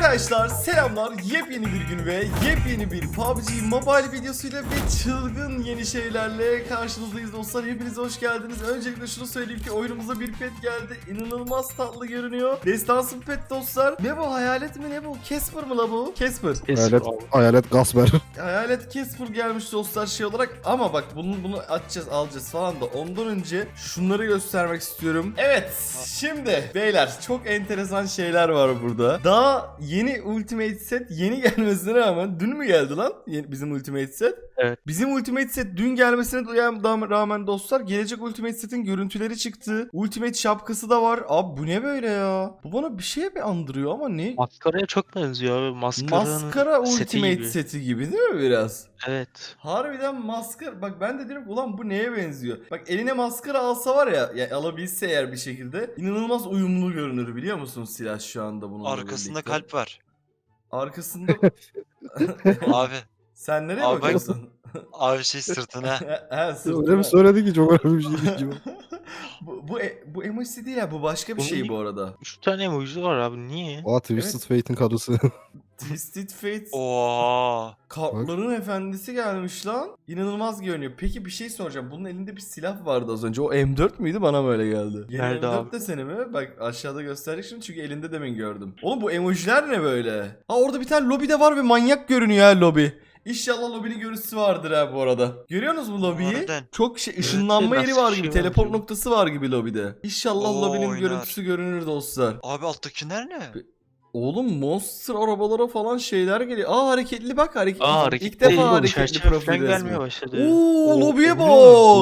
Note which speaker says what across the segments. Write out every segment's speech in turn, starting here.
Speaker 1: Arkadaşlar selamlar, yepyeni bir gün ve yepyeni bir PUBG Mobile videosuyla ve çılgın yeni şeylerle karşınızdayız dostlar. Hepiniz hoş geldiniz. Öncelikle şunu söyleyeyim ki oyunumuza bir pet geldi. İnanılmaz tatlı görünüyor. Destansı bir pet dostlar. Ne bu, hayalet mi ne bu? Casper mı la bu? Casper.
Speaker 2: Hayalet Gasper.
Speaker 1: Hayalet Casper gelmiş dostlar şey olarak. Ama bak bunu açacağız, alacağız falan da ondan önce şunları göstermek istiyorum. Evet, şimdi beyler çok enteresan şeyler var burada. Daha yeni Ultimate Set yeni gelmesine rağmen, dün mü geldi lan bizim Ultimate Set?
Speaker 3: Evet.
Speaker 1: Bizim Ultimate Set dün gelmesine rağmen dostlar gelecek Ultimate Set'in görüntüleri çıktı. Ultimate şapkası da var. Abi bu ne böyle ya? Bu bana bir şeye bir andırıyor ama ne?
Speaker 3: Maskaraya çok benziyor abi.
Speaker 1: Maskara
Speaker 3: seti
Speaker 1: Ultimate
Speaker 3: gibi.
Speaker 1: Seti gibi değil mi biraz?
Speaker 3: Evet.
Speaker 1: Harbiden maskara. Bak ben de diyorum ki ulan bu neye benziyor? Bak eline maskara alsa var ya, alabilse eğer bir şekilde inanılmaz uyumlu görünür biliyor musun silah şu anda bununla
Speaker 4: Arkasında
Speaker 1: birlikte.
Speaker 4: kalp var.
Speaker 1: Arkasında
Speaker 4: Abi.
Speaker 1: sen nereye
Speaker 4: Abi bak-
Speaker 1: bakıyorsun?
Speaker 4: Abi şey sırtına.
Speaker 1: He sırtına.
Speaker 2: Öyle mi söyledi ki çok önemli bir şey değil gibi.
Speaker 1: bu emoji değil ya, bu başka bir
Speaker 3: Bunun
Speaker 1: şey
Speaker 3: niye-
Speaker 1: bu arada.
Speaker 3: 3 tane emoji var abi. Niye?
Speaker 2: Oha Twisted Fate'in karısı.
Speaker 1: Twisted Fate
Speaker 4: Oha.
Speaker 1: Kartların efendisi gelmiş lan. İnanılmaz görünüyor. Peki bir şey soracağım. Bunun elinde bir silah vardı az önce. O M4 müydü? Bana böyle geldi. Yeni
Speaker 3: Nerede
Speaker 1: M4
Speaker 3: abi?
Speaker 1: de seni mi? Bak aşağıda gösterdik şimdi çünkü elinde demin gördüm. Oğlum bu emojiler ne böyle? Ha orada bir tane lobi de var ve manyak görünüyor ha lobi. İnşallah lobinin görüntüsü vardır ha bu arada. Görüyorsunuz mu lobiyi?
Speaker 4: Harbiden.
Speaker 1: Çok ışınlanma yeri
Speaker 3: nasıl
Speaker 1: var
Speaker 3: bir
Speaker 1: gibi.
Speaker 3: şey
Speaker 1: Teleport
Speaker 3: var?
Speaker 1: noktası var gibi lobide. İnşallah
Speaker 4: Oo,
Speaker 1: lobinin
Speaker 4: oynar.
Speaker 1: görüntüsü görünür dostlar.
Speaker 4: Abi alttakiler ne?
Speaker 1: Oğlum monster arabalara falan şeyler geliyor. Aa hareketli bak hareket.
Speaker 3: Hareketli
Speaker 1: İlk defa
Speaker 3: değil,
Speaker 1: hareketli
Speaker 3: çerçeve
Speaker 1: profil
Speaker 3: falan
Speaker 1: resmi.
Speaker 3: gelmeye başladı.
Speaker 1: Oo lobiye bak.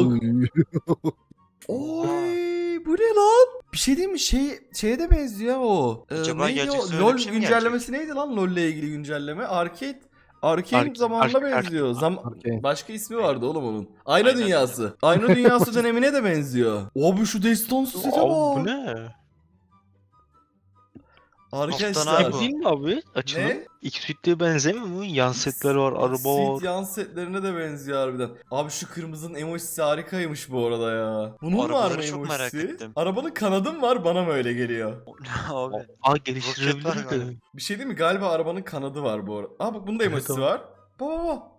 Speaker 1: Oy bu ne lan? Bir şey değil mi? Şeye de benziyor ha o.
Speaker 4: Acaba
Speaker 1: Neydi
Speaker 4: gelecekse
Speaker 1: o?
Speaker 4: öyle
Speaker 1: LoL
Speaker 4: bir şey mi
Speaker 1: güncellemesi neydi lan? LoL'le ilgili güncelleme. Arcane zamanına
Speaker 3: Arcane.
Speaker 1: benziyor.
Speaker 2: Arcane.
Speaker 1: Başka ismi vardı oğlum onun. Ayna
Speaker 4: Ayna
Speaker 1: Dünyası. Ayna Dünyası dönemine de benziyor. Abi şu destansı sete
Speaker 3: Abi
Speaker 1: bak.
Speaker 3: bu ne?
Speaker 1: Arkadaşlar.
Speaker 4: abi bu.
Speaker 3: Değil mi abi? Açılım.
Speaker 1: Ne?
Speaker 3: X-Suite'e benzemiyor mu? Yan setler var, araba
Speaker 1: Suite
Speaker 3: var.
Speaker 1: yan setlerine de benziyor harbiden. Abi şu kırmızının emojisi harikaymış bu arada ya. Bunun var mı
Speaker 4: Arabaları çok merak
Speaker 1: emojisi?
Speaker 4: ettim.
Speaker 1: Arabanın kanadı mı var, bana mı öyle geliyor?
Speaker 4: Abi.
Speaker 3: Aa
Speaker 4: Roket var
Speaker 3: geliştirebilirdi.
Speaker 4: galiba.
Speaker 1: Bir şey değil mi? Galiba arabanın kanadı var bu arada. Aa bak bunun da emojisi
Speaker 3: Evet,
Speaker 1: var. Baba.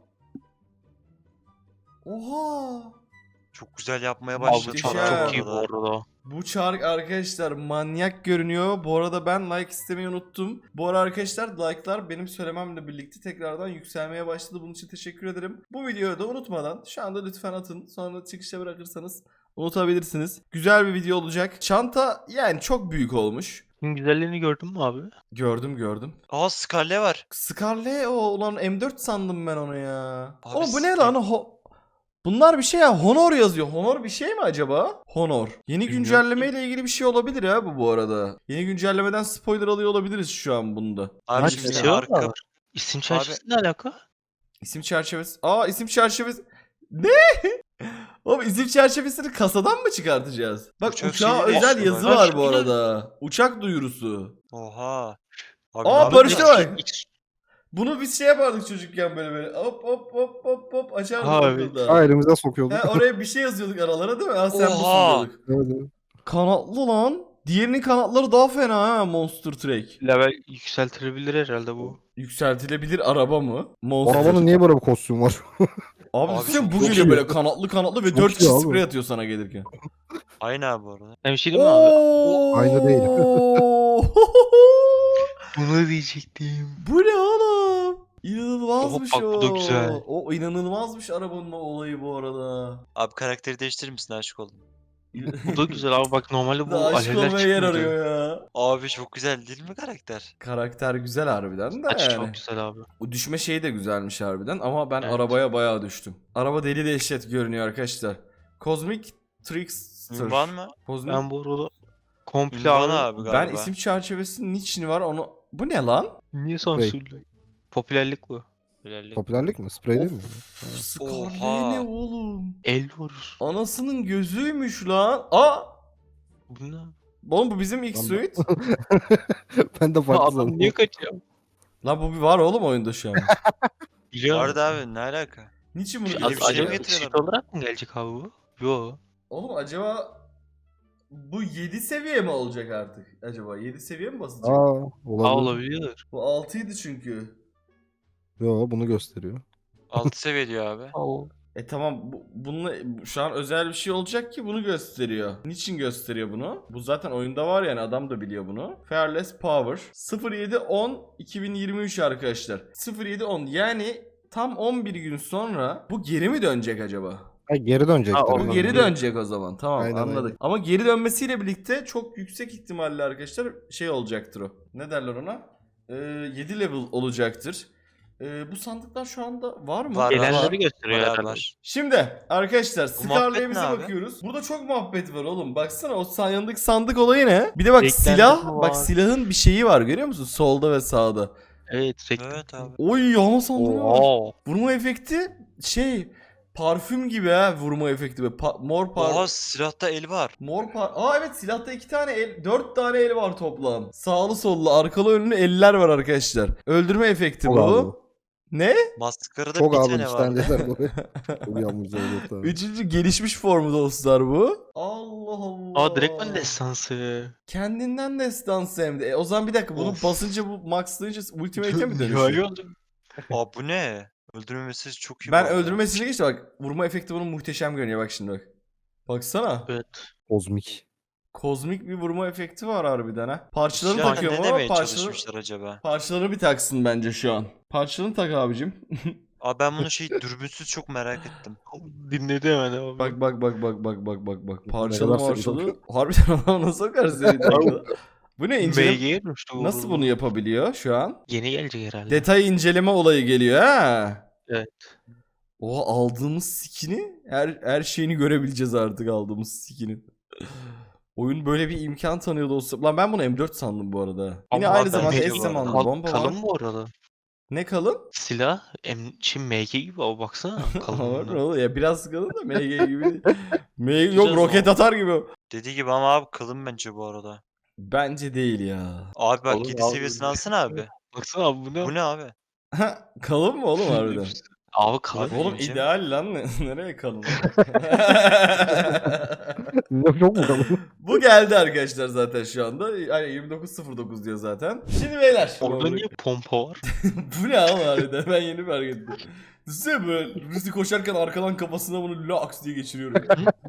Speaker 1: Oha.
Speaker 4: Çok güzel yapmaya
Speaker 3: Abi
Speaker 4: başladı.
Speaker 3: çok
Speaker 1: Muhteşem.
Speaker 3: çok iyi bu arada.
Speaker 1: Bu çark arkadaşlar manyak görünüyor. Bu arada ben like istemeyi unuttum. Bu arada arkadaşlar like'lar benim söylememle birlikte tekrardan yükselmeye başladı. Bunun için teşekkür ederim. Bu videoyu da unutmadan şu anda lütfen atın. Sonra çıkışa bırakırsanız unutabilirsiniz. Güzel bir video olacak. Çanta yani çok büyük olmuş.
Speaker 3: Bunun güzelliğini gördün mü abi?
Speaker 1: Gördüm.
Speaker 4: Aa Scarlet var.
Speaker 1: Scarlet o ulan M4 sandım ben onu ya.
Speaker 4: Abi
Speaker 1: Oğlum bu ne lan? Bunlar bir şey ya. Honor yazıyor. Honor bir şey mi acaba? Honor. Yeni
Speaker 3: Bilmiyorum
Speaker 1: güncellemeyle ilgili bir şey olabilir ha bu arada. Yeni güncellemeden spoiler alıyor olabiliriz şu an bunda.
Speaker 4: Abi
Speaker 3: Lan
Speaker 4: şimdi
Speaker 3: şey var
Speaker 4: arka.
Speaker 3: mı? İsim çerçevesi ne alaka?
Speaker 1: İsim çerçevesi. Aa isim çerçevesi. Ne? Oğlum isim çerçevesini kasadan mı çıkartacağız? Bak
Speaker 4: Uçak
Speaker 1: uçağa
Speaker 4: şeyi
Speaker 1: özel
Speaker 4: değişti
Speaker 1: yazı
Speaker 4: bak.
Speaker 1: var bu arada. Uçak duyurusu.
Speaker 4: Oha. Abi,
Speaker 1: Aa
Speaker 4: abi
Speaker 1: Barış'a bak.
Speaker 3: X-
Speaker 1: Bunu biz şey yapardık çocukken böyle. Hop açardık
Speaker 3: Ha, evet.
Speaker 1: okulda.
Speaker 2: Ha elimize sokuyorduk.
Speaker 1: He, oraya bir şey yazıyorduk aralara değil mi? Ha sen busun
Speaker 4: Oha.
Speaker 1: diyorduk.
Speaker 2: Evet, evet.
Speaker 1: Kanatlı lan. Diğerinin kanatları daha fena ha Monster Truck.
Speaker 3: Level yükseltilebilir herhalde bu.
Speaker 1: Yükseltilebilir araba mı? Monster.
Speaker 2: Arabanın niye böyle bir kostümü var?
Speaker 1: Abi,
Speaker 4: Abi
Speaker 1: sen
Speaker 4: çok
Speaker 1: bu
Speaker 2: iyi.
Speaker 1: geliyor böyle kanatlı ve
Speaker 2: Çok
Speaker 1: 4
Speaker 2: iyi
Speaker 1: kişi
Speaker 2: abi.
Speaker 1: sprey atıyor sana gelirken.
Speaker 4: Aynı abi bu arada.
Speaker 3: Hem şey değil mi abi?
Speaker 2: Aynı değil.
Speaker 3: Bunu diyecektim.
Speaker 1: Bu ne oğlum? İnanılmazmış
Speaker 3: Bak, bu da güzel.
Speaker 1: O inanılmazmış arabanın olayı bu arada.
Speaker 4: Abi karakteri değiştirir misin, aşık oldum.
Speaker 3: Bu da güzel abi, bak normalde bu
Speaker 1: Da aşk
Speaker 3: alevler
Speaker 1: olmaya yer
Speaker 3: çıkmıyordu.
Speaker 1: arıyor ya.
Speaker 4: Abi çok güzel değil mi karakter?
Speaker 1: Karakter güzel harbiden de
Speaker 3: Saçı
Speaker 1: yani.
Speaker 3: çok güzel abi.
Speaker 1: O düşme şeyi de güzelmiş harbiden ama ben
Speaker 3: Evet.
Speaker 1: arabaya bayağı düştüm. Araba deli dehşet görünüyor arkadaşlar. Cosmic Trickster.
Speaker 4: Ünvan mı?
Speaker 1: Kozmik.
Speaker 3: Ben bu arada komple
Speaker 4: Ünvan
Speaker 3: abi.
Speaker 4: abi galiba.
Speaker 1: Ben isim çerçevesinin niçin var onu... Bu ne lan?
Speaker 3: Niye sansürlü? Popülerlik bu.
Speaker 4: Bilal'lik.
Speaker 2: Popülerlik mi? Sprey değil mi?
Speaker 1: Scarlet
Speaker 4: Oha.
Speaker 1: ne oğlum?
Speaker 3: El vurur.
Speaker 1: Anasının gözüymüş lan. Aa!
Speaker 3: Bu ne?
Speaker 1: Oğlum bu bizim X-Suite.
Speaker 2: Ben de
Speaker 3: Ha,
Speaker 2: farklı
Speaker 3: adam
Speaker 2: sandım.
Speaker 3: niye kaçıyor?
Speaker 1: Lan bu bir var oğlum oyunda şu an.
Speaker 3: Biliyorum.
Speaker 4: Vardı abi, ne alaka?
Speaker 1: Niçin bunu
Speaker 4: Yeni bir şey mi
Speaker 1: gösteriyor?
Speaker 4: getiriyorlar?
Speaker 3: X-Suite olarak mı gelecek abi bu? Yo.
Speaker 1: Oğlum acaba... Bu 7 seviye mi olacak artık acaba? 7 seviye mi basacak?
Speaker 2: Aa,
Speaker 3: Aa,
Speaker 2: olabilir.
Speaker 3: olabilir.
Speaker 1: Bu 6'ydı çünkü.
Speaker 2: Yo, bunu gösteriyor.
Speaker 4: 6 seviye diyor abi.
Speaker 3: Aa,
Speaker 1: Tamam bununla şu an özel bir şey olacak ki bunu gösteriyor. Niçin gösteriyor bunu? Bu zaten oyunda var yani adam da biliyor bunu. Fearless Power 07.10 2023 arkadaşlar. 07.10 yani tam 11 gün sonra bu geri mi dönecek acaba?
Speaker 2: Ha, geri dönecektir.
Speaker 3: Ha, o
Speaker 1: Bu
Speaker 2: herhalde.
Speaker 1: geri dönecek o zaman. Tamam
Speaker 2: Aynen,
Speaker 1: anladık.
Speaker 2: aynen.
Speaker 1: Ama geri dönmesiyle birlikte çok yüksek ihtimalle arkadaşlar şey olacaktır o. Ne derler ona? 7 level olacaktır. Bu sandıklar şu anda var mı?
Speaker 4: Var,
Speaker 3: gelenleri
Speaker 4: var.
Speaker 3: gösteriyor
Speaker 4: Var abi,
Speaker 3: herhalde.
Speaker 4: var.
Speaker 1: Şimdi arkadaşlar
Speaker 4: Bu muhabbet
Speaker 1: Scarlet'imize
Speaker 4: ne abi?
Speaker 1: bakıyoruz. Burada çok muhabbet var oğlum. Baksana o yanındaki sandık olayı ne? Bir de bak
Speaker 3: Renklendirme
Speaker 1: silah.
Speaker 3: var.
Speaker 1: Bak silahın bir şeyi var görüyor musun? Solda ve sağda.
Speaker 3: Evet.
Speaker 4: Evet abi.
Speaker 1: Oy yağma sandığı var.
Speaker 3: Oo.
Speaker 1: Vurma efekti şey parfüm gibi ha vurma efekti. Böyle mor
Speaker 4: Oha silahta el var.
Speaker 1: Aa evet silahta 2 tane el, 4 tane el var toplam. Sağlı sollu, arkalı önlü eller var arkadaşlar. Öldürme efekti
Speaker 2: Çok
Speaker 1: bu.
Speaker 2: ağır.
Speaker 1: Ne?
Speaker 4: Maskarada
Speaker 2: Çok
Speaker 4: bir
Speaker 2: ağır
Speaker 4: tane var.
Speaker 2: işkenceler buraya. Çok yanmış oldu tabii.
Speaker 1: Üçüncü gelişmiş formu dostlar bu. Allah Allah.
Speaker 3: Aa, direktman destansı.
Speaker 1: Kendinden destansı hem de. O zaman bir dakika bunu
Speaker 4: Of.
Speaker 1: basınca bu maxlayınca ultimate'e mi dönüşüyor?
Speaker 3: Nihai oldu.
Speaker 4: Aa bu ne? Öldürmemesi çok iyi.
Speaker 1: Ben
Speaker 4: bu arada.
Speaker 1: öldürmesine geçti bak. Vurma efekti bunun muhteşem görünüyor bak şimdi bak. Baksana.
Speaker 3: Evet.
Speaker 2: Kozmik.
Speaker 1: Kozmik bir vurma efekti var harbiden ha. Parçalarını
Speaker 4: Silahla
Speaker 1: takıyorum
Speaker 4: ne
Speaker 1: ama
Speaker 4: demeye çalışmışlar acaba?
Speaker 1: parçalarını bir taksın bence şu an. Parçalarını tak abicim.
Speaker 4: Abi ben bunu dürbünsüz çok merak ettim.
Speaker 3: Dinledi hemen abi.
Speaker 1: Bak.
Speaker 2: Ne
Speaker 1: Parçalı
Speaker 2: kadar
Speaker 1: marşalı.
Speaker 2: seviyorum.
Speaker 1: Harbiden ona sokar seni. Bu ne inceleme?
Speaker 3: MG'ye dönüştü bu.
Speaker 1: Nasıl bunu yapabiliyor şu an?
Speaker 3: Yeni gelecek herhalde.
Speaker 1: Detay inceleme olayı geliyor ha.
Speaker 3: Evet.
Speaker 1: Oha aldığımız skin'i her şeyini görebileceğiz artık aldığımız skin'in. Oyun böyle bir imkan tanıyor dostum. Lan ben bunu M4 sandım bu arada. Yine
Speaker 3: Ama
Speaker 1: aynı
Speaker 3: ben
Speaker 1: zamanda
Speaker 4: de
Speaker 1: S
Speaker 4: bu
Speaker 1: zamanlı
Speaker 4: arada.
Speaker 1: bomba var.
Speaker 3: Kalın bu arada.
Speaker 1: Ne kalın?
Speaker 3: Silah şimdi MG gibi ama baksana kalın.
Speaker 1: Var
Speaker 3: bunlar.
Speaker 1: ne oluyor ya biraz kalın da MG gibi. değil. MG
Speaker 3: Güzel
Speaker 1: yok roket
Speaker 3: o.
Speaker 1: atar gibi.
Speaker 4: Dediği gibi ama abi kalın bence bu arada.
Speaker 1: Bence değil ya.
Speaker 4: Abi bak
Speaker 3: Oğlum
Speaker 4: 7
Speaker 3: abi,
Speaker 4: seviyesini alsana abi.
Speaker 3: Baksana abi bu ne?
Speaker 4: Bu ne abi?
Speaker 1: Kalın mı oğlum harbiden?
Speaker 3: Abi kalın.
Speaker 4: Abi,
Speaker 1: Oğlum
Speaker 4: ince.
Speaker 1: ideal lan nereye kalın?
Speaker 2: Yok mu kalın?
Speaker 1: Bu geldi arkadaşlar zaten şu anda. Hani 29.09 diyor zaten. Şimdi beyler.
Speaker 3: Orada niye pompa var?
Speaker 1: Bu ne oğlum harbiden ben yeni fark ettim. Düşünsene böyle Rüzü koşarken arkadan kafasına bunu laks diye geçiriyorum.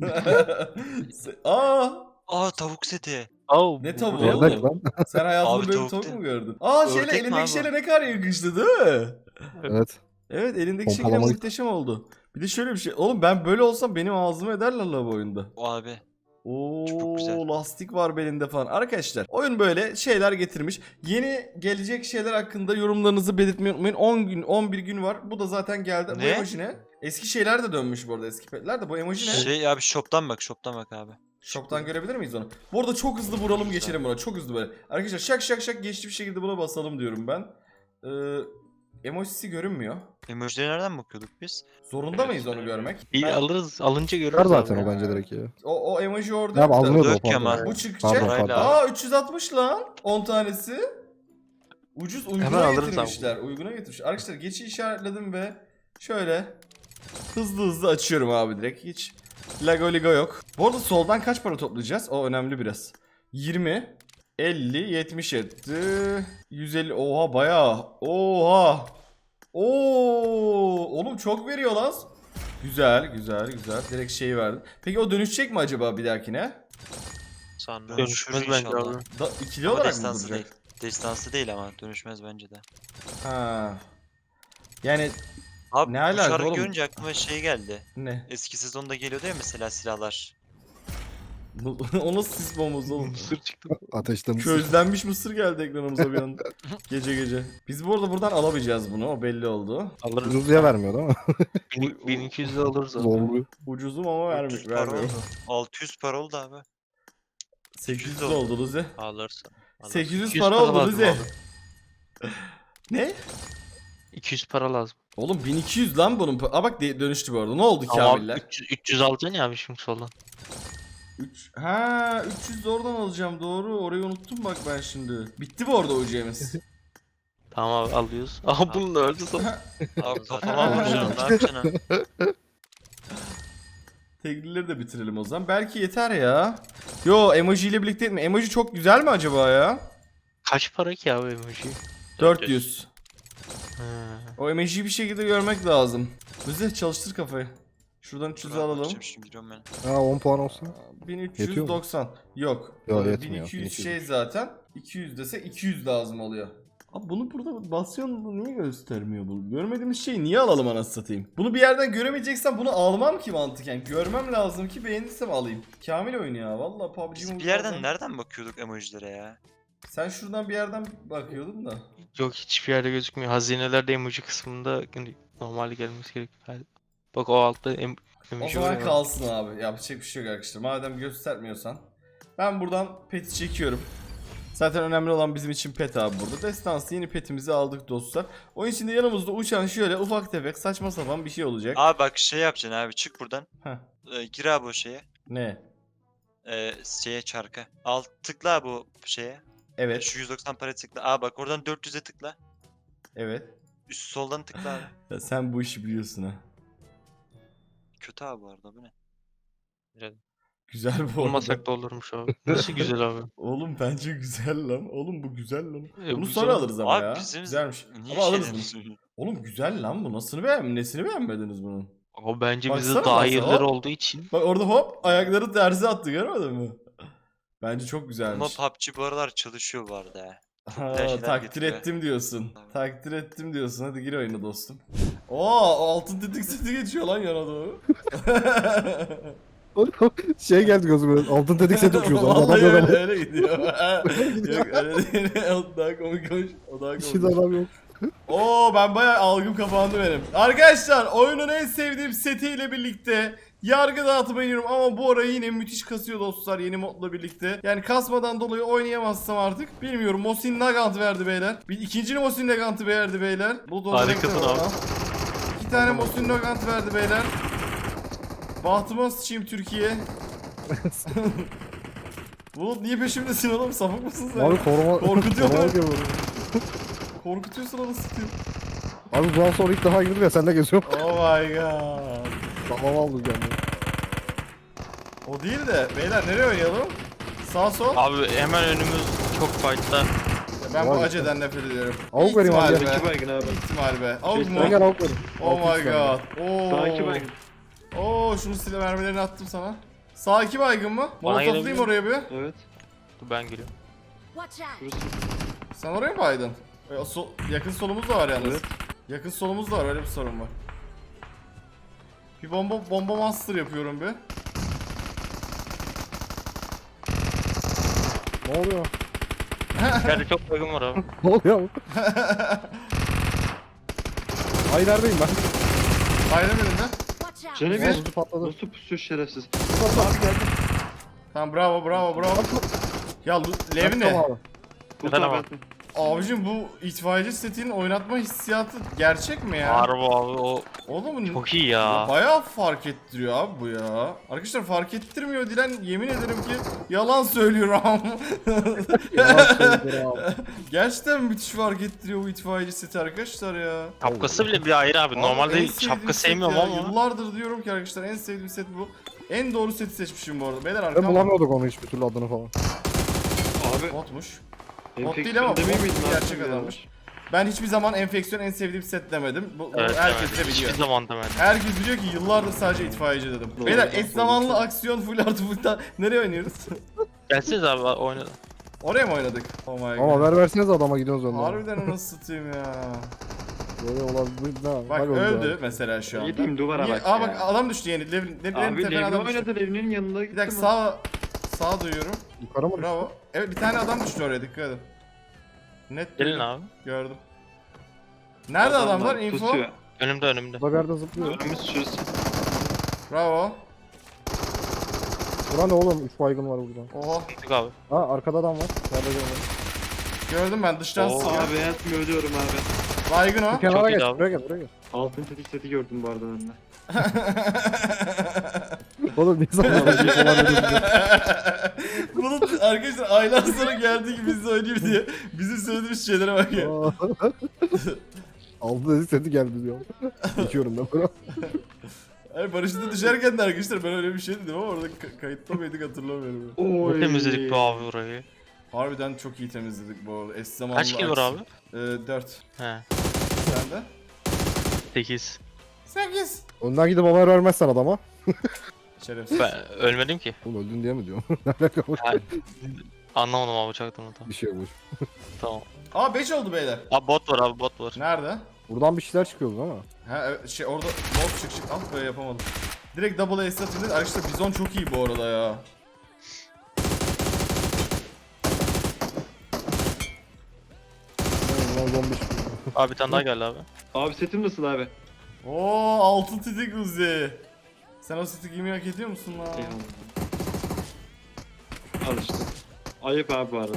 Speaker 1: Aa,
Speaker 4: Aa tavuk seti.
Speaker 3: Aa,
Speaker 1: Ne
Speaker 3: bu
Speaker 1: tavuğu
Speaker 3: ne?
Speaker 1: oğlum?
Speaker 2: Ördek lan.
Speaker 1: sen hayatında
Speaker 4: Abi
Speaker 1: böyle bir
Speaker 4: tavuk
Speaker 1: tavuk
Speaker 4: değil.
Speaker 1: mu gördün? Aa şeyle
Speaker 4: Ördek mi
Speaker 1: elindeki
Speaker 4: abi?
Speaker 1: şeyle ne kadar yakıştı değil mi?
Speaker 2: Evet.
Speaker 1: Evet elindeki şey yine
Speaker 2: Pompalamayı-
Speaker 1: muhteşem oldu. Bir de şöyle bir şey. Oğlum ben böyle olsam benim ağzımı ederler la bu oyunda.
Speaker 4: O abi.
Speaker 1: Oo
Speaker 4: Çok güzel.
Speaker 1: lastik var belinde falan. Arkadaşlar oyun böyle şeyler getirmiş. Yeni gelecek şeyler hakkında yorumlarınızı belirtmeyi unutmayın. 10 gün 11 gün var. Bu da zaten geldi. Bu
Speaker 4: Ne?
Speaker 1: emoji ne? Eski şeyler de dönmüş bu arada eski petler de. Bu emoji ne?
Speaker 4: Şey abi shop'tan bak abi.
Speaker 1: Shop'tan görebilir miyiz onu? Bu arada çok hızlı vuralım geçelim buna. Çok hızlı böyle. Arkadaşlar şak geçti bir şekilde buna basalım diyorum ben. Emojisi görünmüyor.
Speaker 4: Emoji'lere nereden bakıyorduk biz?
Speaker 1: Zorunda mıyız onu görmek?
Speaker 3: İyi
Speaker 1: Ben-
Speaker 3: alırız. Alınca görürüz
Speaker 2: Çıkar zaten
Speaker 3: abi.
Speaker 2: o bence direkt ya.
Speaker 1: o emoji orada.
Speaker 2: Ya
Speaker 1: yok da.
Speaker 2: alınıyordu o
Speaker 4: Yok ki ama.
Speaker 2: pardon.
Speaker 1: Bu çıkacak.
Speaker 2: Pardon
Speaker 4: Parayla
Speaker 2: pardon.
Speaker 4: al.
Speaker 1: Aa 360 lan 10 tanesi. Ucuz
Speaker 3: Hemen
Speaker 1: uyguna
Speaker 3: alırız
Speaker 1: getirmişler. Uyguna getirmişler. Arkadaşlar geçi işaretledim ve şöyle hızlı açıyorum abi direkt. Hiç lago ligo yok. Bu arada soldan kaç para toplayacağız? O önemli biraz. 20 50 70 etti. 150 oha bayağı. Oha. Oo oğlum çok veriyor lan. Güzel. Direkt şeyi verdim. Peki o dönüşecek mi acaba bir dahakine?
Speaker 4: Sanırım.
Speaker 3: Dönüşmez bence abi.
Speaker 1: İkili
Speaker 4: Ama
Speaker 1: olarak mı
Speaker 4: destansı
Speaker 1: duracak?
Speaker 4: değil. Destansı değil ama dönüşmez bence de.
Speaker 1: Ha. Yani
Speaker 4: Abi
Speaker 1: Ne
Speaker 4: bu
Speaker 1: alaka
Speaker 4: şarkı
Speaker 1: oğlum?
Speaker 4: görünce aklıma şey geldi.
Speaker 1: ne?
Speaker 4: Eski sezonda geliyordu ya mesela silahlar.
Speaker 1: O nasıl sis bombası oğlum?
Speaker 3: Mısır çıktı.
Speaker 2: Ateşten ısır.
Speaker 1: Közlenmiş mısır geldi ekranımıza bir anda. Gece. Biz bu arada buradan alamayacağız bunu. O belli oldu.
Speaker 3: Alırız.
Speaker 2: Ucuz diye vermiyor değil mi?
Speaker 3: 1200 de alırız abi.
Speaker 2: Zorluyor.
Speaker 1: Ucuzum ama
Speaker 4: 300 para
Speaker 1: vermiyor.
Speaker 4: oldu. 600 para oldu abi.
Speaker 1: 800 oldu Luzi.
Speaker 3: Alırsın.
Speaker 1: 800
Speaker 3: 200
Speaker 1: para oldu
Speaker 3: lazım
Speaker 1: Luzi.
Speaker 3: abi.
Speaker 1: Ne?
Speaker 3: 200 para lazım.
Speaker 1: Oğlum 1200 lan bunun. Aa bak dönüştü bu arada. Ne oldu
Speaker 3: Ama
Speaker 1: Kamiller?
Speaker 3: 300 alacaksın ya abi şimdi soldan.
Speaker 1: 300 de oradan alacağım doğru. Orayı unuttum bak ben şimdi. Bitti bu arada UC'miz.
Speaker 3: Tamam abi alıyoruz. Aha bunu da öldü sonra.
Speaker 4: Abi kafama vuracaksın ne yapacaksın?
Speaker 1: Teglileri de bitirelim o zaman. Belki yeter ya. Yo, emoji ile birlikte mi? Emoji çok güzel mi acaba ya?
Speaker 3: Kaç para ki abi emoji?
Speaker 1: 400.
Speaker 3: Ha.
Speaker 1: O emojiyi bir şekilde görmek lazım. Bize çalıştır kafayı. Şuradan 300
Speaker 4: Dur abi,
Speaker 1: alalım.
Speaker 4: bakacağım şimdi giriyorum ben.
Speaker 2: Ha 10 puan olsun.
Speaker 1: 1390. Yok.
Speaker 2: Yok,
Speaker 1: 1200
Speaker 2: yetmiyor.
Speaker 1: şey zaten. 200 dese 200 lazım oluyor. Abi bunu burada basıyorsun, niye göstermiyor bu? Görmediğimiz şeyi niye alalım anasını satayım? Bunu bir yerden göremeyeceksem bunu almam ki mantıken. Görmem lazım ki beğenirsem alayım. Kamil oyunu ya. Vallahi PUBG
Speaker 4: Biz bir
Speaker 1: Mobile'dan-
Speaker 4: yerden nereden bakıyorduk emojilere ya?
Speaker 1: Sen şuradan bir yerden bakıyordun da.
Speaker 3: Yok, hiçbir yerde gözükmüyor. Hazinelerde emoji kısmında hani normalde gelmesi gerekiyor. Bak o altta
Speaker 1: O
Speaker 3: emoji
Speaker 1: zaman
Speaker 3: var ya.
Speaker 1: kalsın abi. Yapacak bir şey yok arkadaşlar. Madem göstermiyorsan. Ben buradan peti çekiyorum. Zaten önemli olan bizim için pet abi burada. Destansı yeni petimizi aldık dostlar. Oyun içinde yanımızda uçan şöyle ufak tefek saçma sapan bir şey olacak.
Speaker 4: Abi bak şey yapacaksın abi, çık buradan.
Speaker 1: Heh.
Speaker 4: Gir abi o şeye.
Speaker 1: Ne?
Speaker 4: Şeye, çarka. Al, tıkla abi o şeye.
Speaker 1: Evet.
Speaker 4: Şu 190 para tıkla. Aa bak oradan 400'e tıkla.
Speaker 1: Evet.
Speaker 4: Üst soldan tıkla abi.
Speaker 1: Ya sen bu işi biliyorsun ha.
Speaker 4: Kötü abi bu arada, bu ne?
Speaker 1: Güzel bu arada.
Speaker 3: Olmasak da olurmuş abi. Nasıl güzel abi.
Speaker 1: Oğlum bence güzel lan. Oğlum bu güzel lan. Bunu
Speaker 3: güzel.
Speaker 1: sonra alırız ama
Speaker 4: Abi
Speaker 1: ya.
Speaker 4: bizim
Speaker 1: Güzelmiş.
Speaker 4: niye
Speaker 1: Ama alırız
Speaker 4: şeyden
Speaker 1: bunu.
Speaker 4: söylüyorsun?
Speaker 1: Oğlum güzel lan bu. Nesini beğenmediniz bunun?
Speaker 3: Ama bence bize
Speaker 1: Baksana
Speaker 3: daha
Speaker 1: nasıl,
Speaker 3: hayırları
Speaker 1: hop.
Speaker 3: olduğu için.
Speaker 1: Bak orada hop ayakları tersi attı, görmedin mi? Bence çok
Speaker 4: Ama
Speaker 1: güzelmiş.
Speaker 4: PUBG bu aralar çalışıyor bu arada ya.
Speaker 1: Ha,
Speaker 4: güzel şeyler
Speaker 1: takdir
Speaker 4: getiriyor.
Speaker 1: ettim diyorsun.
Speaker 4: Tabii.
Speaker 1: Takdir ettim diyorsun. Hadi gir oyuna dostum. Oo, altın tetik seti geçiyor lan yana doğru.
Speaker 2: Şey geldi gözüme. Altın tedik set uçuyoruz. Adam
Speaker 1: Vallahi
Speaker 2: yok
Speaker 1: öyle,
Speaker 2: ama.
Speaker 1: öyle gidiyor. Yok öyle değil. O daha komik olmuş. O daha
Speaker 2: İşin
Speaker 1: komik.
Speaker 2: adam yok.
Speaker 1: Oo, ben bayağı algım kapandı benim. Arkadaşlar oyunun en sevdiğim setiyle birlikte yargı dağıtıma iniyorum ama bu ara yine müthiş kasıyor dostlar yeni modla birlikte. Yani kasmadan dolayı oynayamazsam artık bilmiyorum. Mosin Nagant verdi beyler. Bir ikinci Mosin Nagant'ı verdi beyler. Bu
Speaker 3: Harikasın abi.
Speaker 1: 2 tane Mosin Nagant verdi beyler. Bahtıma sıçayım Türkiye. Bulut niye peşimdesin oğlum? Sapık mısın sen?
Speaker 2: Abi koruma.
Speaker 1: Korkutuyor
Speaker 2: koruma
Speaker 1: lan.
Speaker 2: yapıyorum.
Speaker 1: Korkutuyorsun onu sıkıyor.
Speaker 2: Abi bundan sonra ilk defa girdim ya sen de geziyorum.
Speaker 1: Oh my god.
Speaker 2: Tamam aldım kendimi.
Speaker 1: O değil de beyler nereye oynayalım? Sağ sol.
Speaker 3: Abi hemen önümüz çok fight'ta.
Speaker 1: Ya ben bu
Speaker 2: Vay be.
Speaker 1: aceden nefret ediyorum.
Speaker 2: Avuk vereyim abi.
Speaker 1: İhtimal be.
Speaker 5: İki baygın abi.
Speaker 1: İhtimal be. Avuk mu?
Speaker 2: Ben gel avuk verim.
Speaker 1: Oh my god.
Speaker 5: Sağ iki
Speaker 1: Oo.
Speaker 5: baygın.
Speaker 1: Oo, şunu silah mermilerini attım sana. Sağ 2 baygın mı? Molotoflayayım
Speaker 3: gelebilir.
Speaker 1: oraya bir.
Speaker 5: Evet.
Speaker 3: Dur ben geliyorum.
Speaker 6: Watch out!
Speaker 5: Şurası.
Speaker 1: Sen oraya mı baydın? Yakın solumuz da var yalnız.
Speaker 5: Evet.
Speaker 1: Yakın solumuz da var, öyle bir sorun var. Bir bomba master yapıyorum bir.
Speaker 2: Ne oluyor?
Speaker 3: İçeride çok baygın var abi.
Speaker 2: Ne oluyor? Ay neredeyim ben?
Speaker 1: Bayram önünde.
Speaker 6: Watch out!
Speaker 5: Canı bir.
Speaker 2: Bozucu patladı.
Speaker 5: Nasıl pusuyor şerefsiz.
Speaker 2: Abi geldi.
Speaker 1: Tamam, bravo. Ya Lev ne?
Speaker 2: Tamam abi.
Speaker 5: Bu
Speaker 3: Efendim
Speaker 5: tabi.
Speaker 3: abi?
Speaker 1: Abicim bu itfaiyeci setinin oynatma hissiyatı gerçek mi ya?
Speaker 3: Harbi abi o
Speaker 1: Oğlum
Speaker 3: çok iyi ya.
Speaker 1: bayağı fark ettiriyor abi bu ya. Arkadaşlar fark ettirmiyor Dilen, yemin ederim ki yalan söylüyorum.
Speaker 2: Yalan söylüyor abi.
Speaker 1: Gerçekten müthiş fark ettiriyor bu itfaiyeci seti arkadaşlar ya.
Speaker 3: Şapkası bile bir ayrı abi.
Speaker 1: Abi en
Speaker 3: Normalde
Speaker 1: sevdiğim
Speaker 3: şapka
Speaker 1: set
Speaker 3: sevmiyorum
Speaker 1: ya.
Speaker 3: ama.
Speaker 1: Yıllardır diyorum ki arkadaşlar en sevdiğim set bu. En doğru seti seçmişim bu arada. Beyler
Speaker 2: Ben
Speaker 1: arkam
Speaker 2: bulamıyorduk onu hiçbir türlü adını falan.
Speaker 5: Abi.
Speaker 1: botmuş. Bot değil
Speaker 5: Enfeksiyon
Speaker 1: ama
Speaker 5: demeyi
Speaker 1: bot
Speaker 5: miydin abi?
Speaker 1: gerçek adammış. Ben hiçbir zaman enfeksiyon en sevdiğim set demedim. Bu
Speaker 3: Evet,
Speaker 1: herkes de
Speaker 3: demedim.
Speaker 1: biliyor.
Speaker 3: Hiçbir zaman demedim.
Speaker 1: Herkes biliyor ki yıllardır sadece itfaiyeci dedim.
Speaker 5: Doğru,
Speaker 1: Beyler
Speaker 5: doğru,
Speaker 1: eş zamanlı aksiyon full artı full nereye oynuyoruz?
Speaker 3: Gelseniz abi oynayalım.
Speaker 1: Oraya mı oynadık? Oh my god.
Speaker 2: Ama haber verseniz adama gidiyoruz önden.
Speaker 1: Harbiden nasıl satayım ya.
Speaker 2: Böyle olabilir. Ne?
Speaker 1: Bak
Speaker 2: öldü
Speaker 1: öldü
Speaker 2: abi.
Speaker 1: mesela şu anda.
Speaker 5: Yediğim duvara
Speaker 1: Niye-
Speaker 5: bak
Speaker 1: Aa
Speaker 5: ya.
Speaker 1: bak adam düştü yeni. Levin
Speaker 5: Abi
Speaker 1: tepene
Speaker 5: Levni
Speaker 1: adam düştü.
Speaker 5: oynadı, Levni'nin yanına
Speaker 1: Bir
Speaker 5: gittim.
Speaker 1: dakika sağ duyuyorum.
Speaker 2: Yukarı mı?
Speaker 1: Bravo. Evet bir tane adam düştü oraya, dikkat edin. Net
Speaker 3: Gelin
Speaker 1: duydum,
Speaker 3: abi.
Speaker 1: gördüm. Nerede adamlar? Info.
Speaker 5: Pusuyor.
Speaker 3: Önümde.
Speaker 2: Burada bir yerde zıplıyor.
Speaker 5: Önümüz şurası.
Speaker 1: Bravo.
Speaker 2: Bura ne oğlum? 3 baygın var burada.
Speaker 1: Oha.
Speaker 3: Gittik abi.
Speaker 2: Ha arkada adam var. Nerede görmedim.
Speaker 1: Gördüm ben dıştan
Speaker 3: Oo.
Speaker 1: sıkıyor.
Speaker 5: Abi hayatımı ölüyorum abi.
Speaker 1: Baygın o.
Speaker 2: Bir kenara
Speaker 3: iyi
Speaker 2: geç.
Speaker 3: abi.
Speaker 2: Buraya gel. Buraya gel.
Speaker 5: Altın tetik seti gördüm bu arada ben de.
Speaker 2: Oğlum ne zaman alacak falan dedim.
Speaker 1: Bulut arkadaşlar aylar sonra geldi ki bizle oynayayım diye. Bizim söylediğimiz şeylere bak ya.
Speaker 2: Aldı dedi seti geldi diyor. Geçiyorum ben bunu.
Speaker 1: Hayır paraşütle düşerken de arkadaşlar ben öyle bir şey dedim ama orada kayıtta mıydık hatırlamıyorum.
Speaker 3: Ne temizledik be abi burayı.
Speaker 1: Harbiden çok iyi temizledik bu arada. Eş zamanlı
Speaker 3: Kaç kill var abi?
Speaker 1: 4.
Speaker 3: He.
Speaker 1: Sen de?
Speaker 3: 8.
Speaker 1: 8.
Speaker 2: Önden gidip haber vermezsen adama.
Speaker 1: Şerefsiz.
Speaker 3: Ben ölmedim ki.
Speaker 2: Oğlum öldün diye mi diyorum? Ne alaka bu?
Speaker 3: Ha, anlamadım abi uçaktan da.
Speaker 2: Bir şey yok.
Speaker 3: Tamam.
Speaker 1: Aa 5 oldu beyler.
Speaker 3: Abi bot var abi bot var.
Speaker 1: Nerede?
Speaker 2: Buradan bir şeyler çıkıyordu ama.
Speaker 1: Ha evet, şey orada bot çık. Ah be yapamadım. Direkt double ace atıldı. Arkadaşlar bizon çok iyi bu arada ya.
Speaker 2: Ulan zombi çıkıyor.
Speaker 3: Abi bir tane daha geldi abi.
Speaker 5: Abi setim nasıl abi?
Speaker 1: Oo altın titik Uzi. Sen o seti giymeyi hak ediyor musun lan?
Speaker 5: Eyvallah. Al işte. Ayıp abi bu arada.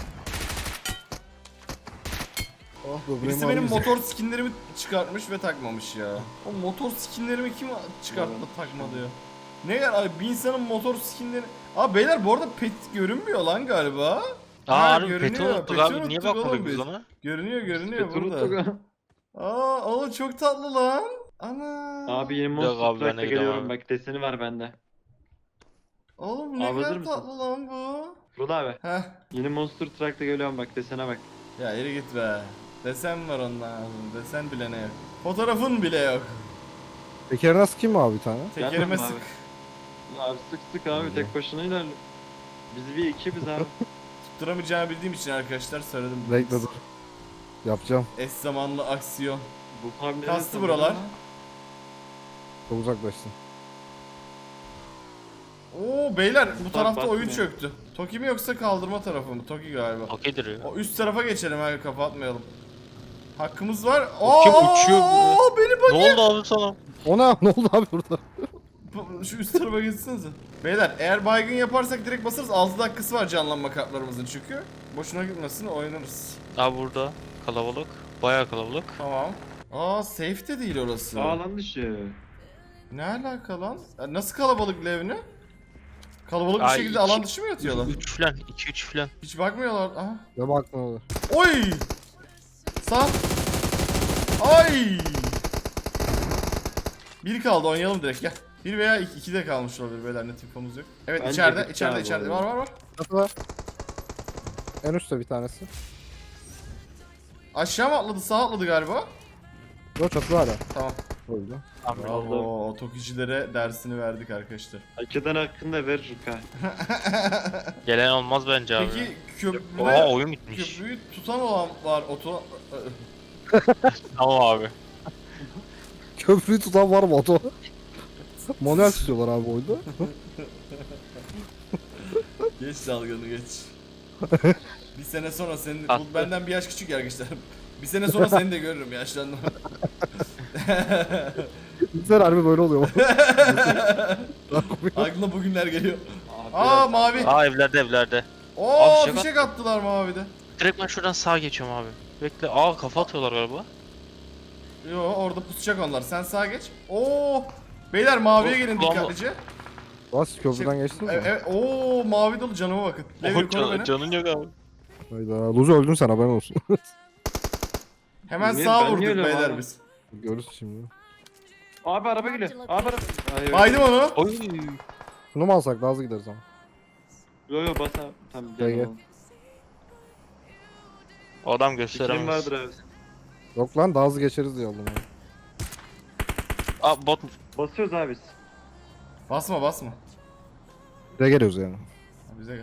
Speaker 2: Ah böbreğim
Speaker 1: Birisi benim
Speaker 2: ağrıyor.
Speaker 1: motor skinlerimi çıkartmış ve takmamış ya. O motor skinlerimi kim çıkarttı da takmadı ya? Ne kadar abi bir insanın motor skinleri... Abi beyler bu arada pet görünmüyor lan galiba.
Speaker 3: Aa
Speaker 1: Ha,
Speaker 3: harbi peti
Speaker 1: görünüyor,
Speaker 3: unuttuk
Speaker 1: peti
Speaker 3: abi. Niye
Speaker 1: unuttuk oğlum
Speaker 3: bakmadık
Speaker 1: biz.
Speaker 3: biz ona?
Speaker 1: Görünüyor
Speaker 5: Petru
Speaker 1: burada.
Speaker 5: Toga.
Speaker 1: Aa oğlum çok tatlı lan. Ana.
Speaker 5: Abi yeni
Speaker 3: Yok
Speaker 5: Monster
Speaker 3: abi, ben de
Speaker 5: Truck'ta
Speaker 3: gidiyorum
Speaker 5: geliyorum
Speaker 3: abi.
Speaker 5: bak deseni var bende.
Speaker 1: Oğlum ne
Speaker 5: Abi hazır
Speaker 1: kadar
Speaker 5: mısın?
Speaker 1: tatlı lan bu.
Speaker 5: Burada abi.
Speaker 1: Heh.
Speaker 5: Yeni Monster Truck'ta geliyorum bak desene bak.
Speaker 1: Ya yürü git be. Desen var ondan. Desen bile ne yok. Fotoğrafın bile yok.
Speaker 2: Tekerine sıkayım mı abi bir tane?
Speaker 1: Tekerime
Speaker 5: Gelmem
Speaker 1: sık.
Speaker 5: abi. Abi sık sık abi tek başına ilerle. Biz bir ekibiz abi.
Speaker 1: Tutturamayacağımı bildiğim için arkadaşlar söyledim.
Speaker 2: Bekle dur. Yapacağım.
Speaker 1: Eş zamanlı aksiyon.
Speaker 5: Bu hamleleri
Speaker 1: Kastı
Speaker 5: sanırım
Speaker 1: buralar.
Speaker 5: ama
Speaker 2: Çok uzaklaştın.
Speaker 1: Oo beyler bu tarafta
Speaker 5: bakmıyor.
Speaker 1: oyun çöktü. Toki mi yoksa kaldırma tarafı mı? Toki galiba.
Speaker 3: Okeydir ya.
Speaker 1: O üst tarafa geçelim abi kapatmayalım. Hakkımız var.
Speaker 3: Kim uçuyor
Speaker 1: Aa, beni bak.
Speaker 3: Ne oldu abi sana?
Speaker 2: Ona ne oldu abi burada?
Speaker 1: Şu üst tarafa geçsenize. Beyler eğer baygın yaparsak direkt basarız. 6 dakikası var canlanma kartlarımızın çünkü. Boşuna gitmesin oynarız.
Speaker 3: Abi burada kalabalık. Bayağı kalabalık.
Speaker 1: Tamam. Aa safe de değil orası.
Speaker 5: Alan dışı.
Speaker 1: Ne alaka lan? Ya nasıl kalabalık Levni? Kalabalık bir
Speaker 3: Ay,
Speaker 1: şekilde
Speaker 3: iki-
Speaker 1: alan dışı mı yatıyorlar?
Speaker 3: 3 falan 2-3 falan.
Speaker 1: Hiç bakmıyorlar. Aha.
Speaker 2: Ne bak ne olur.
Speaker 1: Oy! Sağ. Ay! Bir kaldı oynayalım direkt gel. Bir veya iki de kalmış olabilir beyler net infomuz yok. Evet
Speaker 5: Bence
Speaker 1: içeride
Speaker 5: bitti
Speaker 1: içeride
Speaker 5: abi
Speaker 1: içeride
Speaker 5: oyun.
Speaker 1: var.
Speaker 2: Çatı var. En üstte bir tanesi.
Speaker 1: Aşağı mı atladı sağ atladı galiba.
Speaker 2: Yok çatı hala.
Speaker 1: Tamam.
Speaker 2: Öldü.
Speaker 3: Abi
Speaker 1: Bravo tokicilere dersini verdik arkadaşlar.
Speaker 5: Hakikaten hakkında verir ha.
Speaker 3: gelen olmaz bence abi.
Speaker 1: Peki
Speaker 3: Oha
Speaker 1: köprüde
Speaker 3: oyun bitmiş.
Speaker 1: köprüyü tutan olan var oto...
Speaker 3: Tamam abi.
Speaker 2: Köprüyü tutan var mı oto? Manuel tutuyorlar abi oyunda.
Speaker 1: Geç dalganı geç. Bir sene sonra senin bu benden bir yaş küçük ya arkadaşlar. Bir sene sonra seni de görürüm yaşlandım.
Speaker 2: Bizler harbi böyle oluyor.
Speaker 1: Aklına bugünler geliyor.
Speaker 5: Abi
Speaker 1: Aa mavi.
Speaker 3: Aa evlerde.
Speaker 1: Oo
Speaker 3: Abi,
Speaker 1: fişek attılar mavide.
Speaker 3: Direkt ben şuradan sağa geçiyorum abi. Bekle. Aa kafa atıyorlar galiba.
Speaker 1: Yo orada pusacak onlar. Sen sağa geç. Oo. Beyler maviye gelin
Speaker 3: Ulan bu-
Speaker 1: dikkatlice.
Speaker 2: Bas köprüden geçtiniz mi?
Speaker 1: Evet. Oo mavi dolu canıma bakın. Levi koru beni.
Speaker 3: Canın yok abi.
Speaker 2: Hayda. Luzu öldün sen haberin olsun.
Speaker 1: Hemen
Speaker 5: Niye-
Speaker 1: sağa
Speaker 5: ben
Speaker 1: vurduk
Speaker 5: niye öyle
Speaker 1: beyler
Speaker 5: abi?
Speaker 1: biz.
Speaker 2: Görürüz şimdi.
Speaker 5: Abi araba geliyor. Abi araba. Hayır.
Speaker 1: Baydım onu.
Speaker 3: Oy.
Speaker 2: Bunu mu alsak daha hızlı gideriz ama.
Speaker 5: Yo yo bas abi. Tamam
Speaker 2: Gel,
Speaker 5: gel.
Speaker 2: gel.
Speaker 5: oğlum.
Speaker 3: O adam
Speaker 5: Fikrim
Speaker 3: gösteremez.
Speaker 5: vardır abi.
Speaker 2: Yok lan daha hızlı geçeriz diye aldım abi.
Speaker 3: Aa bot mu?
Speaker 5: Basıyoruz abi biz.
Speaker 1: Basma basma.
Speaker 2: Buraya geliyoruz yani.
Speaker 1: Ha, bize gel.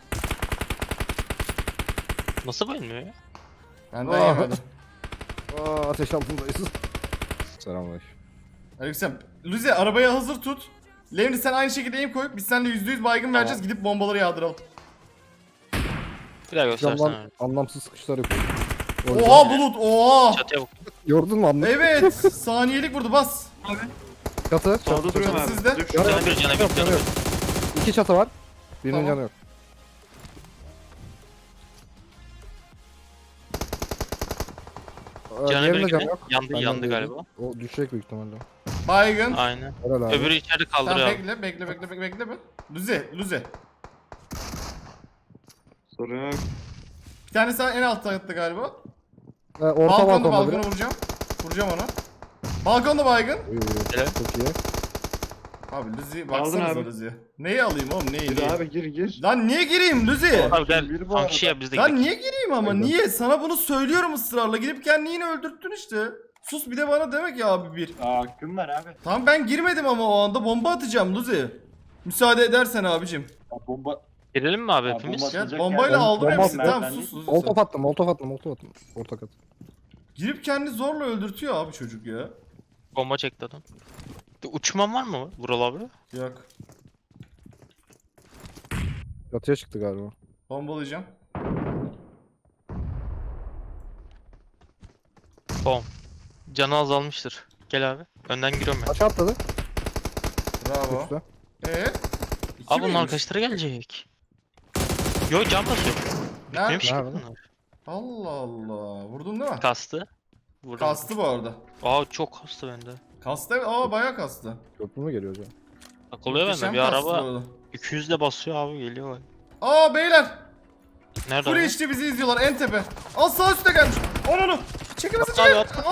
Speaker 3: Nasıl bayılmıyor ya?
Speaker 1: Benden
Speaker 2: Aa.
Speaker 1: yemedi.
Speaker 2: Aa ateş altındayız. Selamünaleyküm.
Speaker 1: Aleyküm. Luzi arabayı hazır tut. Levni sen aynı şekilde aim koy. Biz seninle %100 baygın vereceğiz. Gidip bombaları yağdıralım.
Speaker 3: Bir daha göstersene
Speaker 2: Camdan
Speaker 3: abi.
Speaker 2: anlamsız sıkışlar yapıyor.
Speaker 1: Oha bulut oha.
Speaker 3: Çatıya bak.
Speaker 2: Gördün mü anlamı?
Speaker 1: Evet saniyelik vurdu bas.
Speaker 2: Çatı.
Speaker 5: Solda
Speaker 2: Çatı.
Speaker 5: duruyorum abi.
Speaker 1: Sizde.
Speaker 5: Dur.
Speaker 2: Canı
Speaker 3: Canı
Speaker 2: yok.
Speaker 3: bir, canı bir,
Speaker 2: Yok,
Speaker 3: canı
Speaker 2: canı yok. İki çatı var. Birinin
Speaker 1: Tamam.
Speaker 2: canı yok.
Speaker 3: Canı
Speaker 2: Diğerinin de
Speaker 3: bir
Speaker 2: canı
Speaker 3: gene.
Speaker 2: yok.
Speaker 3: Yandı
Speaker 2: Benden
Speaker 3: yandı
Speaker 2: değil.
Speaker 3: galiba.
Speaker 2: O düşecek büyük ihtimalle.
Speaker 1: Baygın.
Speaker 3: Aynen.
Speaker 2: Helal abi.
Speaker 3: Öbürü içeride
Speaker 1: Tamam
Speaker 3: kaldırıyor abi.
Speaker 1: bekle be. Luzi.
Speaker 5: Sorun yok.
Speaker 1: Bir tane sen en altta yattı galiba.
Speaker 2: Orta balkonda biri.
Speaker 1: Balkonu vuracağım. Vuracağım onu. Balkonda baygın.
Speaker 2: Uy, uy, uy.
Speaker 3: Helal.
Speaker 2: Çok iyi.
Speaker 1: Abi Luzi
Speaker 5: Aldın
Speaker 1: baksanıza
Speaker 5: abi.
Speaker 1: Luzi. Neyi alayım oğlum neyi?
Speaker 5: Gir
Speaker 1: neyi?
Speaker 5: abi gir.
Speaker 1: Lan niye gireyim Luzi?
Speaker 3: Abi gel.
Speaker 5: Bir bu
Speaker 3: Son
Speaker 5: arada.
Speaker 3: kişi ya biz de
Speaker 1: Lan
Speaker 3: gidelim.
Speaker 1: niye gireyim ama
Speaker 2: Aynen.
Speaker 1: niye? Sana bunu söylüyorum ısrarla. Gidip kendini yine öldürttün işte. Sus bir de bana demek ya abi bir.
Speaker 5: Hakkım var abi.
Speaker 1: Tamam ben girmedim ama o anda bomba atacağım Luzi. Müsaade edersen abicim.
Speaker 5: Ya bomba.
Speaker 3: Girelim mi abi
Speaker 5: Ya
Speaker 3: hepimiz?
Speaker 5: bomba-
Speaker 1: Gel
Speaker 5: Atacak
Speaker 1: bombayla
Speaker 5: yani.
Speaker 1: aldım
Speaker 2: Bomba
Speaker 1: hepsini.
Speaker 5: atacak.
Speaker 1: Tamam
Speaker 5: Ben
Speaker 1: sus Luzi.
Speaker 2: Molotov
Speaker 1: sen.
Speaker 2: attım, molotov attım. Orta kat.
Speaker 1: Girip kendini zorla öldürtüyor abi çocuk ya.
Speaker 3: Bomba çekti adam. Uçman var mı Vural abi?
Speaker 1: Yok.
Speaker 2: Yatıya çıktı galiba.
Speaker 1: Bombalayacağım.
Speaker 3: Bom. Canı azalmıştır. Gel abi. Önden giriyorum ben.
Speaker 2: Aşağı atladı.
Speaker 1: Bravo.
Speaker 2: Üstte.
Speaker 1: İki
Speaker 3: Abi bunun
Speaker 1: miymiş?
Speaker 3: arkadaşları gelecek. Yo can basıyor.
Speaker 1: Nerede?
Speaker 3: Neymiş ki
Speaker 2: Nerede?
Speaker 3: bunlar?
Speaker 1: Allah Allah. Vurdun değil mi?
Speaker 3: Kastı. Vurdum.
Speaker 1: Kastı bu arada.
Speaker 3: Aa çok kastı bende.
Speaker 1: Kastı evet. Aa bayağı kastı.
Speaker 2: Köprü mü geliyor acaba?
Speaker 3: Takılıyor bende
Speaker 1: Muhteşem
Speaker 3: bir
Speaker 1: kastı bu
Speaker 3: araba
Speaker 1: arada.
Speaker 3: 200 de basıyor abi geliyor.
Speaker 1: Aa beyler.
Speaker 3: Nerede
Speaker 1: Full
Speaker 3: abi?
Speaker 1: HD bizi izliyorlar en tepe. Al sağ üstte gelmiş. Onu. Çekilmesi
Speaker 3: At abi,
Speaker 1: çek.
Speaker 3: at.
Speaker 1: Aa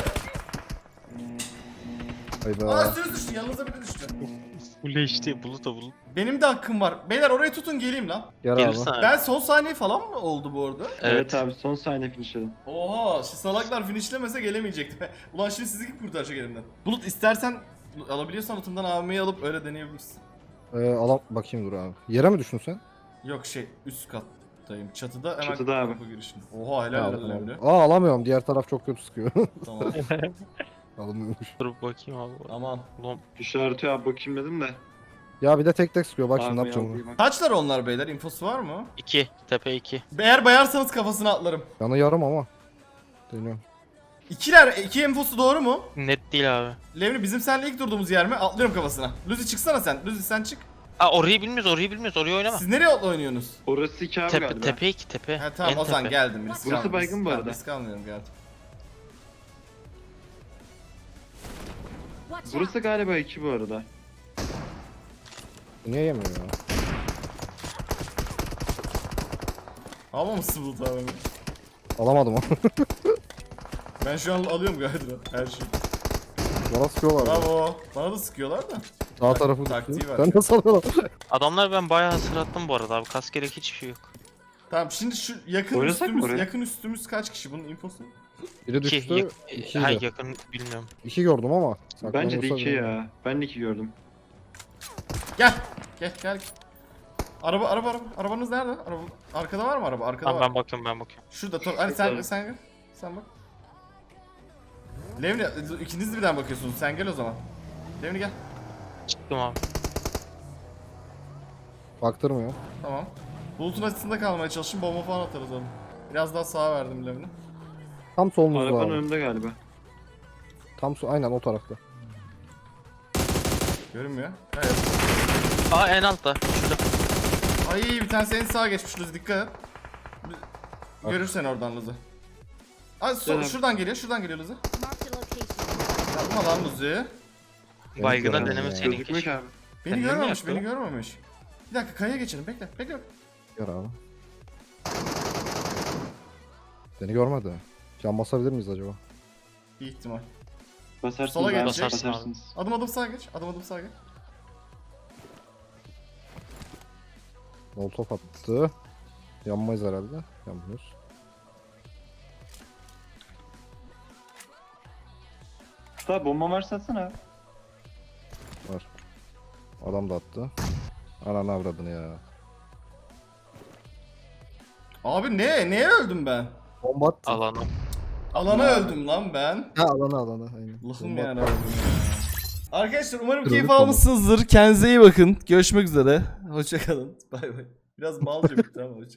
Speaker 2: Hayda.
Speaker 1: üstünüz düştü. Yanınıza biri düştü.
Speaker 3: Full HD bulut da bulut.
Speaker 1: Benim de hakkım var. Beyler orayı tutun geleyim lan.
Speaker 2: Gel abi.
Speaker 3: Gelirsen abi.
Speaker 1: Ben son saniye falan mı oldu bu arada?
Speaker 5: Evet abi son saniye finishledim.
Speaker 1: Oha şu salaklar finishlemese gelemeyecekti. Ulan şimdi sizi kim kurtaracak elimden? Bulut istersen alabiliyorsan atımdan AVM'yi alıp öyle deneyebilirsin.
Speaker 2: Alam bakayım dur abi. Yere mi düştün sen?
Speaker 1: Yok üst kattayım. Çatıda hemen
Speaker 5: Çatıda abi.
Speaker 1: kapı girişinde. Oha helal
Speaker 2: Ha,
Speaker 1: olsun Emre.
Speaker 2: alamıyorum. Diğer taraf çok kötü sıkıyor.
Speaker 1: Tamam.
Speaker 2: Alınmıyormuş.
Speaker 3: Dur bakayım abi.
Speaker 1: Aman.
Speaker 3: Ulan
Speaker 5: İşareti abi bakayım dedim de.
Speaker 2: Ya bir de tek sıkıyor. Bak şimdi ne
Speaker 5: Abi
Speaker 2: yapacağım
Speaker 5: aldım,
Speaker 2: onu.
Speaker 5: bak.
Speaker 1: Kaçlar onlar beyler? İnfosu var mı?
Speaker 3: 2. Tepe 2.
Speaker 1: Eğer bayarsanız kafasına atlarım.
Speaker 2: Yanı yarım ama. Deniyorum.
Speaker 1: İki infosu doğru mu?
Speaker 3: Net değil abi.
Speaker 1: Levni bizim seninle ilk durduğumuz yer mi? Atlıyorum kafasına. Luzi çıksana sen. Luzi sen çık.
Speaker 3: Aa orayı bilmiyoruz orayı oynama.
Speaker 1: Siz nereye oynuyorsunuz?
Speaker 5: Orası 2 abi galiba.
Speaker 3: Tepe 2 tepe.
Speaker 1: Ha tamam
Speaker 3: En
Speaker 1: o zaman
Speaker 3: tepe.
Speaker 1: geldim. Risk
Speaker 5: Burası
Speaker 1: almıyorum.
Speaker 5: baygın bu
Speaker 1: Tamam,
Speaker 5: arada.
Speaker 1: Risk almıyorum geldim.
Speaker 5: Burası galiba 2 bu arada.
Speaker 2: Niye yemiyor ya?
Speaker 1: Almamışsın Bulut abi.
Speaker 2: Alamadım onu.
Speaker 1: Ben şu an alıyorum galiba her şeyi.
Speaker 2: Bana sıkıyorlar. ya.
Speaker 1: Bravo. Bana da sıkıyorlar da.
Speaker 2: Sağ tarafı
Speaker 1: taktiği
Speaker 2: düşüyor.
Speaker 1: var.
Speaker 2: Sen nasıl alıyorsun?
Speaker 3: Adamlar ben bayağı hatırlattım bu arada abi. Kas gerek hiçbir şey yok.
Speaker 1: Tamam şimdi şu yakın
Speaker 5: Oynasak mı
Speaker 1: üstümüz,
Speaker 5: oraya?
Speaker 1: yakın üstümüz kaç kişi bunun infosu?
Speaker 2: Biri
Speaker 3: 2.
Speaker 2: düştü. İki
Speaker 3: Hayır
Speaker 2: de.
Speaker 3: yakın bilmiyorum.
Speaker 2: 2 gördüm ama.
Speaker 5: Bence de
Speaker 2: saklanıyorsa
Speaker 5: 2
Speaker 2: bilmiyorum.
Speaker 5: ya. Ben de 2 gördüm.
Speaker 1: Gel. Arabanız nerede? Arkada var mı araba? Arkada
Speaker 3: Tamam
Speaker 1: var.
Speaker 3: ben bakıyorum.
Speaker 1: Şurada hani sen bak. Levni ikiniz de birden bakıyorsunuz. Sen gel o zaman. Levni gel.
Speaker 3: Çıktım abi.
Speaker 2: Baktırmıyor.
Speaker 1: Tamam. Bulutun açısında kalmaya çalışın. Bomba falan atarız onu. Biraz daha sağa verdim Levni.
Speaker 2: Tam solumuzda
Speaker 5: Arabanın
Speaker 2: abi.
Speaker 5: önünde galiba.
Speaker 2: Aynen o tarafta.
Speaker 1: Görünmüyor. Evet.
Speaker 3: Aa en altta. Şurada.
Speaker 1: Ay bir tanesi en sağa geçmiş Luzi dikkat et. Görürsen oradan Luzi. Ay
Speaker 5: Gel abi.
Speaker 1: şuradan geliyor Luzi. Yapma lan Luzi.
Speaker 3: Baygına
Speaker 2: göremiyorum
Speaker 3: denemeseydin
Speaker 5: Gözükmüyor
Speaker 3: keşke.
Speaker 5: ki abi.
Speaker 1: Beni
Speaker 3: Kendini mi
Speaker 1: görmemiş,
Speaker 3: yaktı
Speaker 1: beni
Speaker 3: o?
Speaker 1: görmemiş. Bir dakika kayaya geçelim. Bekle.
Speaker 2: Gör abi. Beni görmedi. Can basabilir miyiz acaba?
Speaker 1: Bir ihtimal.
Speaker 5: Basarsınız
Speaker 1: Sola
Speaker 5: abi,
Speaker 1: gelecek.
Speaker 5: basarsınız.
Speaker 1: Adım sağa geç. Adım sağa geç.
Speaker 2: Molotov attı. Yanmayız herhalde. Yanmıyoruz.
Speaker 5: Usta bomba varsa atsana abi.
Speaker 2: Var. Adam da attı. Ananı avradını ya.
Speaker 1: Abi neye öldüm ben?
Speaker 2: Bomba attı.
Speaker 3: Alanı.
Speaker 1: Alana öldüm lan ben.
Speaker 2: Ha alana. Aynen.
Speaker 1: Allah'ım
Speaker 2: Bomba
Speaker 1: yani.
Speaker 2: attı.
Speaker 1: Arkadaşlar umarım
Speaker 2: Kırıldık
Speaker 1: keyif
Speaker 2: konu.
Speaker 1: almışsınızdır. Kendinize iyi bakın. Görüşmek üzere. Hoşçakalın. Bay bay. Biraz malca bitti ama.